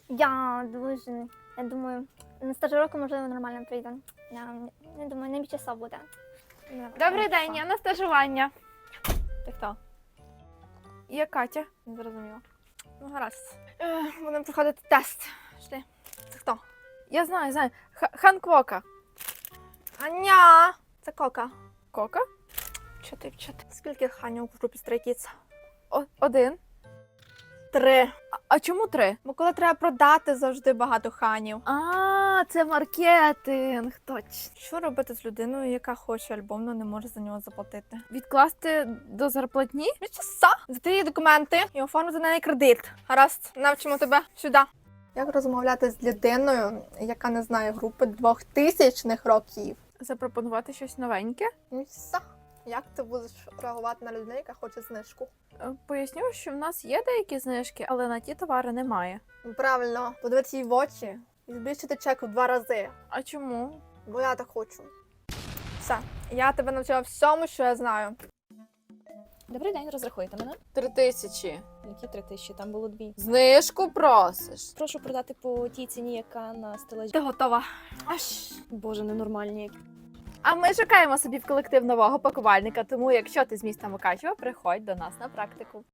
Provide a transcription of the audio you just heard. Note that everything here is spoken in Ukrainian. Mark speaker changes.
Speaker 1: Я дуже, я думаю, на стажировку, можливо, нормально прийде. Я не думаю, не часов буде.
Speaker 2: Добрий день, я на стажування. Ти хто? Я Катя. Не зрозуміла. Ну, гаразд. Будемо проходити тест. Пішли. Це хто? Я знаю. Хан Квока. Аня! Це Кока. Кока? Чотири. Скільки ханів в групі Stray Kids? Один. 3. А чому 3? Бо коли треба продати, завжди багато ханів. Це маркетинг, точно. Що робити з людиною, яка хоче альбом, але не може за нього заплатити? Відкласти до зарплатні? Часа. Здати її документи і оформити на неї кредит. Гаразд, навчимо тебе сюди. Як розмовляти з людиною, яка не знає групи 2000-х років? Запропонувати щось новеньке? Як ти будеш реагувати на людину, яка хоче знижку? Поясню, що в нас є деякі знижки, але на ті товари немає. Правильно, подивитися їй в очі і збільшити чек в 2 рази. А чому? Бо я так хочу. Все, я тебе навчила всьому, що я знаю.
Speaker 3: Добрий день, розрахуйте мене.
Speaker 4: 3000.
Speaker 3: Які 3000? Там було 2.
Speaker 4: Знижку просиш.
Speaker 3: Прошу продати по тій ціні, яка на стелажі.
Speaker 2: Ти готова.
Speaker 3: Боже, ненормальні.
Speaker 2: А ми шукаємо собі в колектив нового пакувальника, тому якщо ти з міста Мукачево, приходь до нас на практику.